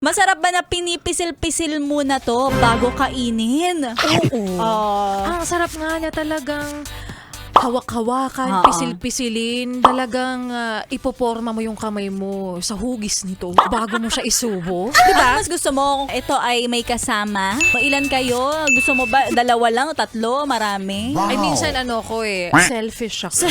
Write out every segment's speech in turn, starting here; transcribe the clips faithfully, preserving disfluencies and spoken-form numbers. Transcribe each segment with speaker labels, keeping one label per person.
Speaker 1: Masarap ba na pinipisil-pisil muna to bago kainin?
Speaker 2: Oo.
Speaker 1: Ah.
Speaker 2: Ang sarap nga niya talagang hawak-hawakan,
Speaker 1: Oo.
Speaker 2: pisil-pisilin. Talagang ah, ipoporma mo yung kamay mo sa hugis nito bago mo siya isubo.
Speaker 1: Diba? Mas gusto mo kung ito ay may kasama? Ilan kayo? Gusto mo ba dalawa lang o tatlo? Marami?
Speaker 2: Ay, minsan ano ko eh, selfish ako.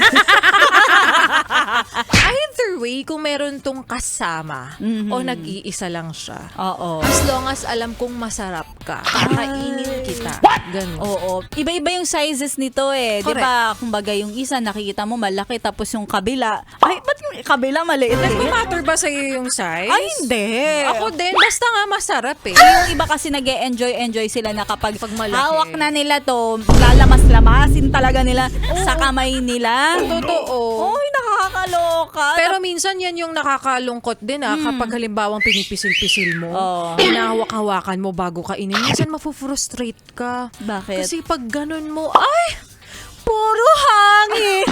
Speaker 2: Either way, kung meron tong kasama
Speaker 1: Mhm.
Speaker 2: o nag-iisa lang siya,
Speaker 1: Oo.
Speaker 2: as long as alam kong masarap ka, kakainin kita. Ganun.
Speaker 1: Oo. Iba-iba yung sizes nito eh. Di
Speaker 2: Correct.
Speaker 1: ba? Kumbaga yung isa nakikita mo malaki tapos yung kabila. Ay, ba't yung kabila maliit eh?
Speaker 2: Nagmamatter ba sa'yo yung size?
Speaker 1: Ay, hindi.
Speaker 2: Ako din, basta nga masarap eh.
Speaker 1: Yung iba kasi nag-e-enjoy-enjoy sila na kapag
Speaker 2: Pag malaki.
Speaker 1: hawak na nila to, lalamas-lamasin talaga nila sa kamay nila.
Speaker 2: Totoo.
Speaker 1: Oy, nakakaloka.
Speaker 2: Pero minsan yan yung nakakalungkot din ah, kapag halimbawang pinipisil-pisil mo,
Speaker 1: Oo.
Speaker 2: hinahawak-hawakan mo bago kainin. Minsan mafufrustrate ka.
Speaker 1: Bakit?
Speaker 2: Kasi pag ganun mo, ay, puro hangin.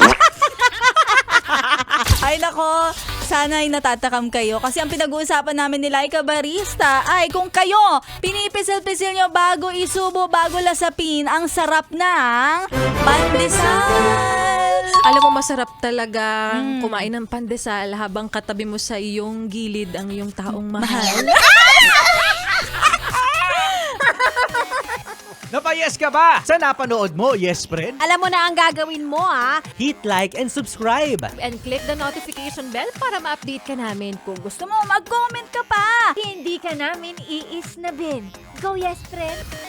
Speaker 1: Ay nako, sana ay natatakam kayo kasi ang pinag-uusapan namin nila ay kabarista. Ay kung kayo, pinipisil-pisil nyo bago isubo, bago lasapin, ang sarap ng pandesal.
Speaker 2: Alam mo, masarap talaga
Speaker 1: Mm.
Speaker 2: kumain ng pandesal habang katabi mo sa iyong gilid ang iyong taong mahal.
Speaker 3: Napayes ka ba sa napanood mo, yes friend?
Speaker 4: Alam mo na ang gagawin mo, ah.
Speaker 3: Hit like and subscribe.
Speaker 4: And click the notification bell para ma-update ka namin. Kung
Speaker 1: Gusto mo mag-comment ka pa.
Speaker 4: hindi ka namin iisnabin. Go, yes, friend!